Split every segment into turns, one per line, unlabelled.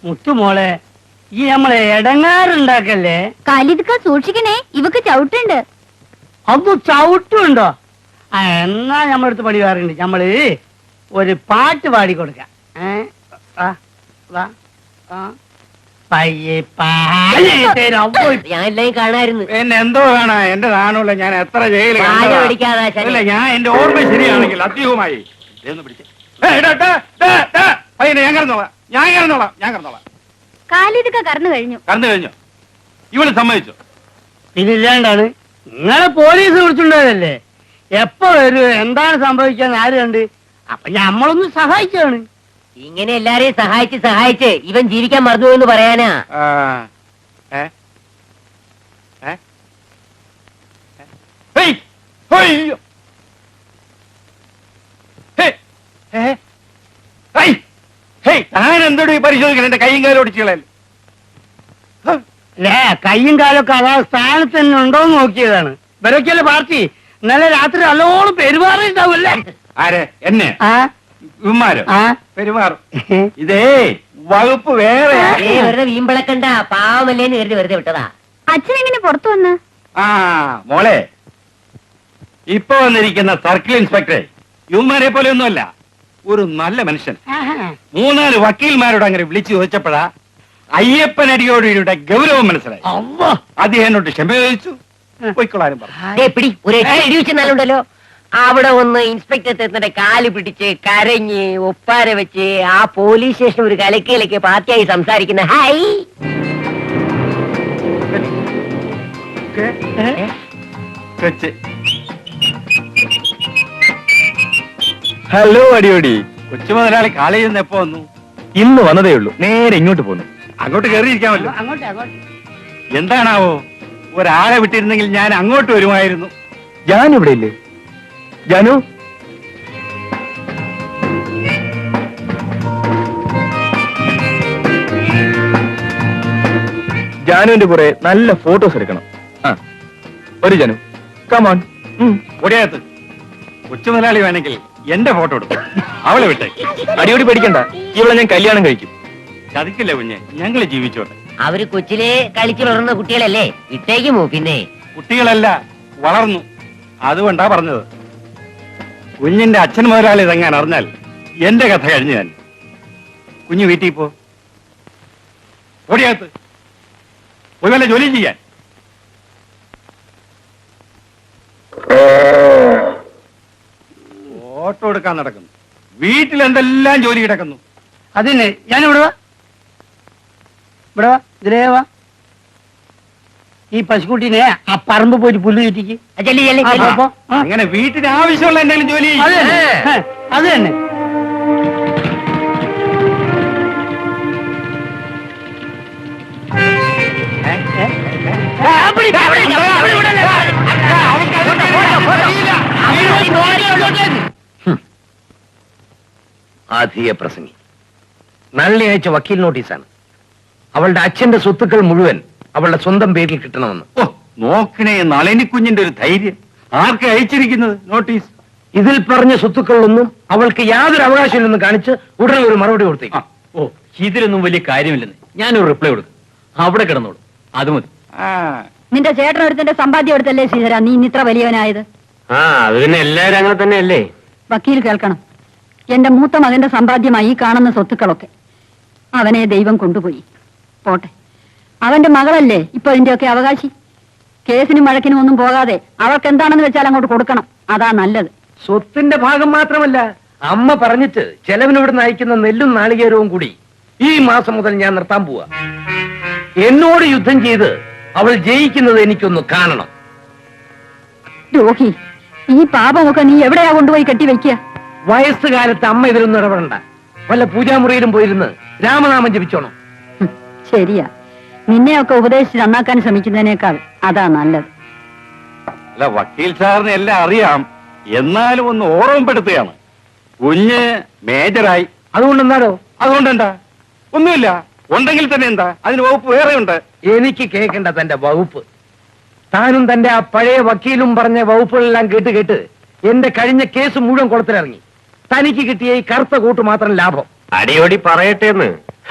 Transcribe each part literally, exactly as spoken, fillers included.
മുത്തുമോളെ ഈ നമ്മളെ എടങ്ങാറുണ്ടാക്കല്ലേ.
കാലിതൊക്കെ സൂക്ഷിക്കണേ, ഇവക്ക് ചവിട്ടുണ്ട്.
അത് ചവിട്ടുണ്ടോ? ആ എന്നാ നമ്മളടുത്ത് പണി പറയാറുണ്ട്. നമ്മള് ഒരു പാട്ട് പാടി കൊടുക്കാം. ഏഹ്
ഞാൻ എല്ലാം കാണായിരുന്നു.
എന്നെ എന്തോ കാണാ എന്റെ നാണുള്ള ഞാൻ എത്ര ജയില് അല്ല ഞാൻ എന്റെ ഓർമ്മ ശരിയാണെങ്കിൽ അധികമായി ഞാൻ കിടന്നോളാം ഞാൻ കിടന്നോളാം ഞാൻ കിടന്നോളാം.
കാലിതൊക്കെ കറന്നു കഴിഞ്ഞു.
കറന്നു കഴിഞ്ഞു. ഇവള് സമ്മതിച്ചു.
പിന്നില്ലാണ്ടാണ് നിങ്ങളെ പോലീസ് വിളിച്ചിട്ടുണ്ടല്ലേ. എപ്പോ വരും എന്താണ് സംഭവിക്കാന്ന് ആര് കണ്ട്? അപ്പൊ നമ്മളൊന്ന് സഹായിച്ചാണ്.
ഇങ്ങനെ എല്ലാരെയും സഹായിച്ച് സഹായിച്ച് ഇവൻ ജീവിക്കാൻ മറന്നു എന്ന് പറയാനാ.
താൻ എന്തോട് പരിശോധിക്കണം എന്റെ കൈയും കാലും ഒടിച്ചുകളല്ലേ?
അല്ലേ കയ്യും കാലൊക്കെ അതാ സ്ഥാനത്ത് തന്നെ ഉണ്ടോന്ന് നോക്കിയതാണ്. ഇവരൊക്കെയല്ലേ പാർട്ടി. ഇന്നലെ രാത്രി നല്ലോണം പെരുമാറിണ്ടാവൂല്ലേ?
ആരെ? എന്നെ?
ആ
ഇവന്മാരോ? ആ പെരുമാറും. ഇതേ വകുപ്പ് വേറെ.
വെറുതെ വീമ്പിളക്കണ്ട, പാവമല്ലേന്ന് കരുതി വെറുതെ വിട്ടതാ.
അച്ഛൻ എങ്ങനെ പുറത്തു വന്ന്?
ആ മോളെ, ഇപ്പൊ വന്നിരിക്കുന്ന സർക്കിൾ ഇൻസ്പെക്ടറെ ഇവന്മാരെ പോലെ ഒന്നുമല്ല, ഒരു നല്ല മനുഷ്യൻ. മൂന്നാല് വക്കീൽമാരോട് അങ്ങനെ വിളിച്ചു ചോദിച്ചപ്പോഴാ അയ്യപ്പനടിയോടെ ഗൗരവം മനസ്സിലായി. അത് എന്നോട് ക്ഷമ ചോദിച്ചു. പോയിക്കൊള്ളാനും പറഞ്ഞു.
നല്ലുണ്ടല്ലോ. അവിടെ ഒന്ന് ഇൻസ്പെക്ടർ എത്തുന്ന കാല് പിടിച്ച് കരഞ്ഞ് ഒപ്പാര വെച്ച് ആ പോലീസ് സ്റ്റേഷൻ ഒരു കലക്കയിലേക്ക് പാർട്ടിയായി സംസാരിക്കുന്ന ഹായ്.
ഹലോ അടിയോടി. കൊച്ചു മുതലാളി കാലേജിൽ നിന്ന് എപ്പോ വന്നു?
ഇന്ന് വന്നതേ ഉള്ളൂ. നേരെ ഇങ്ങോട്ട് പോന്നു.
അങ്ങോട്ട് കയറിയിരിക്കാമല്ലോ.
അങ്ങോട്ട് അങ്ങോട്ട്
എന്താണാവോ, ഒരാളെ വിട്ടിരുന്നെങ്കിൽ ഞാൻ അങ്ങോട്ട് വരുമായിരുന്നു.
ജാനു ഇവിടെ ഇല്ലേ? ജാനു, ജാനുവിന്റെ കുറെ നല്ല ഫോട്ടോസ് എടുക്കണം. ആ ഒരു ജാനു, കമോൺ.
ഒടിയകത്ത് കൊച്ചു മുതലാളി വേണമെങ്കിൽ എന്റെ ഫോട്ടോ എടുക്കും. അവളെ വിട്ടേ.
അടിയോടി പേടിക്കണ്ട, ഇവളെ ഞാൻ കല്യാണം കഴിക്കും.
ചതിക്കില്ല കുഞ്ഞെ, ഞങ്ങള് ജീവിച്ചോട്ടെ.
അവര് കൊച്ചിലെ കളിച്ചു വളർന്ന കുട്ടികളല്ലേ, ഇട്ടേക്കുമോ? പിന്നെ
കുട്ടികളല്ല, വളർന്നു. അതുകൊണ്ടാ പറഞ്ഞത്. കുഞ്ഞിന്റെ അച്ഛൻ മുതലാളി ഇതെങ്ങാൻ അറിഞ്ഞാൽ എന്റെ കഥ കഴിഞ്ഞു. ഞാൻ കുഞ്ഞു വീട്ടിൽ പോ. ഓടിയകത്ത് ഒരു വല്ല ജോലി ചെയ്യാൻ. ഓട്ടോ എടുക്കാൻ നടക്കുന്നു. വീട്ടിൽ എന്തെല്ലാം ജോലി കിടക്കുന്നു.
അതിന് ഞാനിവിടെ വാ, ഇവിടെ വാ, ഇതിലേ വാ. ഈ പശുക്കുട്ടീനെ ആ പറമ്പ് പോയിട്ട് പുല്ല് ചുറ്റിക്ക്.
അങ്ങനെ വീട്ടിന് ആവശ്യമുള്ള എന്തെങ്കിലും ജോലി.
അത് തന്നെ.
ആധിക പ്രസംഗി നള്ളി അയച്ച വക്കീൽ നോട്ടീസാണ്. അവളുടെ അച്ഛന്റെ സ്വത്തുക്കൾ മുഴുവൻ അവളുടെ സ്വന്തം പേരിൽ കിട്ടണമെന്ന്.
ഓ നോക്കണേ, നളിനിക്കുഞ്ഞിന്റെ ഒരു ധൈര്യം. ആർക്ക് അയച്ചിരിക്കുന്നത് നോട്ടീസ്?
ഇതിൽ പറഞ്ഞ സ്വത്തുക്കളിലൊന്നും അവൾക്ക് യാതൊരു അവകാശമില്ലെന്ന് കാണിച്ച് ഉടനെ ഒരു മറുപടി കൊടുത്തേക്കും.
ഓ ഇതിലൊന്നും വലിയ കാര്യമില്ലെന്ന് ഞാനൊരു റിപ്ലൈ കൊടുക്കും. അവിടെ കിടന്നോളൂ, അത് മതി.
നിന്റെ ചേട്ടൻ ഒരുത്തന്റെ സമ്പാദ്യം എടുത്തല്ലേ ശ്രീധര നീ ഇത്ര വലിയവനായത്?
ആ അത് പിന്നെ എല്ലാവരും അങ്ങനെ തന്നെയല്ലേ.
വക്കീൽ കേൾക്കണം, എന്റെ മൂത്ത മകന്റെ സമ്പാദ്യമായി ഈ കാണുന്ന സ്വത്തുക്കളൊക്കെ അവനെ ദൈവം കൊണ്ടുപോയി. പോട്ടെ, അവന്റെ മകളല്ലേ ഇപ്പൊ ഇതിന്റെയൊക്കെ അവകാശി. കേസിനും വഴക്കിനും ഒന്നും പോകാതെ അവൾക്ക് എന്താണെന്ന് വെച്ചാൽ അങ്ങോട്ട് കൊടുക്കണം. അതാ നല്ലത്.
സ്വത്തിന്റെ ഭാഗം മാത്രമല്ല, അമ്മ പറഞ്ഞിട്ട് ചെലവിനിവിടെ നയിക്കുന്ന നെല്ലും നാളികേരവും കൂടി ഈ മാസം മുതൽ ഞാൻ നിർത്താൻ പോവാ. എന്നോട് യുദ്ധം ചെയ്ത് അവൾ ജയിക്കുന്നത് എനിക്കൊന്ന് കാണണം.
രോഹി, ഈ പാപമൊക്കെ നീ എവിടെയാ കൊണ്ടുപോയി കെട്ടിവെക്കുക?
വയസ്സുകാലത്ത് അമ്മ ഇതിലൊന്നും ഇടപെടണ്ട. വല്ല പൂജാമുറിയിലും പോയിരുന്ന് രാമനാമം ജപിച്ചോണം.
ശരിയാ, നിന്നെയൊക്കെ ഉപദേശിച്ച് നന്നാക്കാൻ ശ്രമിക്കുന്നതിനേക്കാൾ അതാ നല്ലത്.
അല്ല, വക്കീൽ സാറിന് എല്ലാം അറിയാം, എന്നാലും ഒന്ന് ഓർമ്മപ്പെടുത്തുകയാണ്. കുഞ്ഞ് മേജറായി.
അതുകൊണ്ടെന്താണോ?
അതുകൊണ്ടെന്താ? ഒന്നുമില്ല. ഉണ്ടെങ്കിൽ തന്നെ എന്താ, അതിന് വകുപ്പ് വേറെ ഉണ്ട്.
എനിക്ക് കേൾക്കേണ്ട തന്റെ വകുപ്പ്. താനും തന്റെ ആ പഴയ വക്കീലും പറഞ്ഞ വകുപ്പുകളെല്ലാം കേട്ട് കേട്ട് എന്റെ കഴിഞ്ഞ കേസ് മുഴുവൻ കുളത്തിലിറങ്ങി. തനിക്ക് കിട്ടിയ ഈ കറുത്ത കൂട്ട് മാത്രം ലാഭം.
അടിയോടി പറയട്ടെ എന്ന്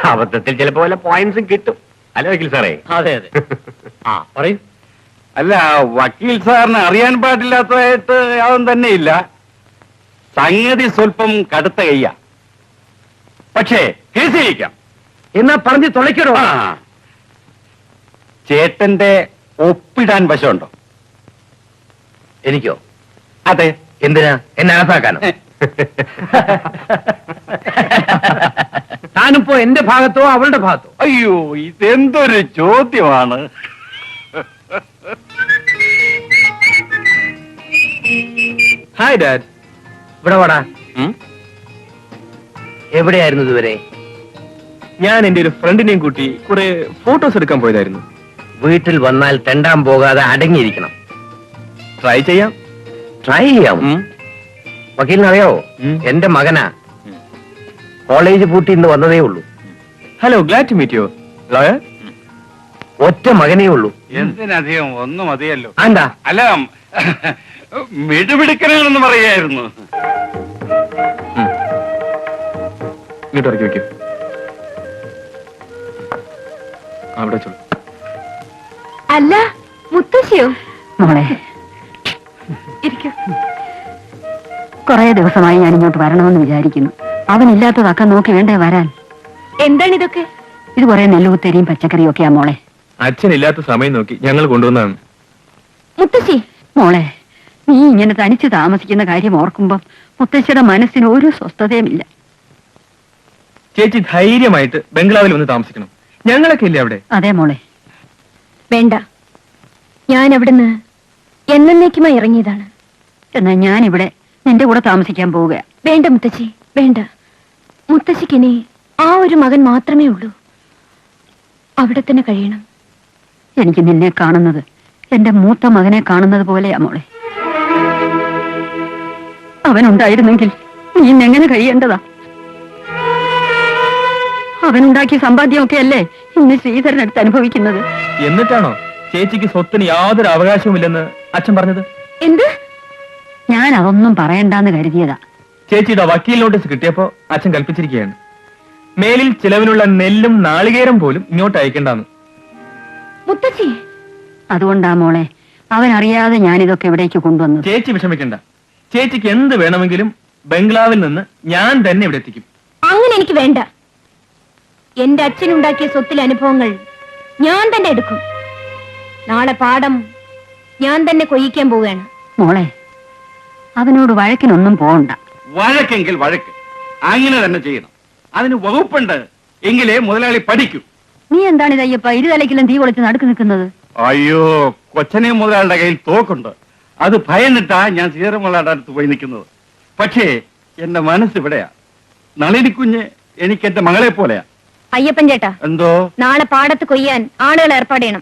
അബദ്ധത്തിൽ ചിലപ്പോ വല്ല പോയിന്റ്സും കിട്ടും അല്ല വക്കീൽ സാറേ?
അതെ അതെ ആ പറയൂ.
അല്ല, വക്കീൽ സാറിന് അറിയാൻ പാടില്ലാത്തതായിട്ട് യാതൊന്നും തന്നെയില്ല. സംഗതി സ്വല്പം കടുത്ത കയ്യ, പക്ഷേ കേസ് ജയിക്കാം.
എന്നാ പറഞ്ഞ് തുളയ്ക്കണോ?
ആ. ചേട്ടന്റെ ഒപ്പിടാൻ വശമുണ്ടോ?
എനിക്കോ?
അതെ.
എന്തിനാ? എന്നെ അകത്താക്കാനോ? താനിപ്പോ എന്റെ ഭാഗത്തോ അവളുടെ ഭാഗത്തോ?
അയ്യോ, ഇതെന്തൊരു ചോദ്യമാണ്.
Hi dad. ഇവിടെ വാടാ. എവിടെയായിരുന്നു ഇതുവരെ?
ഞാൻ എന്റെ ഒരു ഫ്രണ്ടിനെയും കൂട്ടി കുറെ ഫോട്ടോസ് എടുക്കാൻ പോയതായിരുന്നു.
വീട്ടിൽ വന്നാൽ തെണ്ടാൻ പോകാതെ അടങ്ങിയിരിക്കണം.
ട്രൈ ചെയ്യാം.
ട്രൈ ചെയ്യാം. വക്കീലിന് അറിയാവോ?
ഉം.
എന്റെ മകനാ. കോളേജ് പൂട്ടി ഇന്ന് വന്നതേ ഉള്ളൂ.
Hello, glad to meet you lawyer.
ഒറ്റ മകനേ ഉള്ളൂ.
എന്തിനധികം ഒന്നും മതിയല്ലോ.
എന്താ?
അല്ല, മിടുമിടുക്കനെന്ന് പറയായിരുന്നു.
ഇങ്ങോട്ട് ഇറക്കി വെക്കൂ. അവിടെ വെച്ചോളൂ.
അല്ല, മുത്തശ്ശിയോ? മോളെ കൊറേ ദിവസമായി ഞാൻ ഇങ്ങോട്ട് വരണമെന്ന് വിചാരിക്കുന്നു. അവനില്ലാത്തതൊക്കെ നോക്കി വേണ്ടേ വരാൻ. എന്താണ് ഇതൊക്കെ? ഇത് കുറെ നെല്ലുകുത്തരിയും പച്ചക്കറിയും ഒക്കെയാ മോളെ.
അച്ഛൻ ഇല്ലാത്ത സമയം നോക്കി ഞങ്ങൾ കൊണ്ടുവന്നതാണ്.
മുത്തശ്ശി, മോളെ നീ ഇങ്ങനെ തനിച്ച് താമസിക്കുന്ന കാര്യം ഓർക്കുമ്പം മുത്തശ്ശിയുടെ മനസ്സിന് ഒരു സ്വസ്ഥതയുമില്ല.
ചേച്ചി ധൈര്യമായിട്ട് ബംഗ്ലാവിൽ വന്ന് താമസിക്കണം. ഞങ്ങളൊക്കെ ഇല്ലേ അവിടെ?
അതെ മോളെ. വേണ്ട, ഞാൻ അവിടുന്ന് എന്നേക്കുമായി ഇറങ്ങിയതാണ്. എന്നാ ഞാനിവിടെ നിന്റെ കൂടെ താമസിക്കാൻ പോവുക. വേണ്ട മുത്തശ്ശി, വേണ്ട. മുത്തശ്ശിക്കിനി ആ ഒരു മകൻ മാത്രമേ ഉള്ളൂ. അവിടെ തന്നെ കഴിയണം. എനിക്ക് നിന്നെ കാണുന്നത് എന്റെ മൂത്ത മകനെ കാണുന്നത് പോലെയാ മോളെ. അവനുണ്ടായിരുന്നെങ്കിൽ നീ ഇന്നെങ്ങനെ കഴിയേണ്ടതാ? അവനുണ്ടാക്കിയ സമ്പാദ്യമൊക്കെ അല്ലേ ഇന്ന് ശ്രീധരനടുത്ത് അനുഭവിക്കുന്നത്.
എന്നിട്ടാണോ ചേച്ചിക്ക് സ്വത്തിന് യാതൊരു അവകാശവുമില്ലെന്ന് അച്ഛൻ പറഞ്ഞത്?
എന്ത്? ഞാൻ അതൊന്നും പറയണ്ടെന്ന് കരുതിയതാ.
ചേച്ചിയുടെ വക്കീൽ നോട്ടീസ് കിട്ടിയപ്പോ അച്ഛൻ കൽപ്പിച്ചിരിക്കുകയാണ്, മേലിൽ ചിലവിനുള്ള നെല്ലും നാളികേരം പോലും ഇങ്ങോട്ട് അയക്കണ്ടെന്ന്.
മുത്തശ്ശി, അതുകൊണ്ടാ മോളെ അവൻ അറിയാതെ ഞാനിതൊക്കെ എവിടേക്ക് കൊണ്ടുവന്നത്.
ചേച്ചി വിഷമിക്കണ്ട. ചേച്ചിക്ക് എന്ത് വേണമെങ്കിലും ബംഗ്ലാവിൽ നിന്ന് ഞാൻ തന്നെ ഇവിടെ എത്തിക്കും.
അങ്ങനെ എനിക്ക് വേണ്ട. എന്റെ അച്ഛനുണ്ടാക്കിയ സ്വത്തിലെ അനുഭവങ്ങൾ ഞാൻ തന്നെ എടുക്കും. നാളെ പാടം ഞാൻ തന്നെ കൊയ്യിക്കാൻ പോവുകയാണ്.
മോളെ അവനോട് വഴക്കിനൊന്നും പോകണ്ട.
വഴക്കെങ്കിൽ വഴക്ക്, അങ്ങനെ തന്നെ ചെയ്യണം. അതിന് വകുപ്പുണ്ട്, എങ്കിലേ മുതലാളി പഠിക്കൂ.
നീ എന്താണ് ഇതയ്യപ്പ ഇരുതലക്കിലും തീ കൊളിച്ച് നടുക്ക് നിൽക്കുന്നത്?
അയ്യോ, കൊച്ചനെ മുതലാളിയുടെ കയ്യിൽ തോക്കുണ്ട്. അത് ഭയന്നിട്ടാ ഞാൻ സീറമുള്ളയുടെ അടുത്ത് പോയി നിൽക്കുന്നത്. പക്ഷേ എന്റെ മനസ്സ് ഇവിടെയാ. നളിനിക്കുഞ്ഞ് എനിക്ക് എന്റെ മകളെ പോലെയാ.
അയ്യപ്പൻ ചേട്ടാ,
എന്തോ?
നാളെ പാടത്ത് കൊയ്യാൻ ആളുകൾ ഏർപ്പാട് ചെയ്യണം.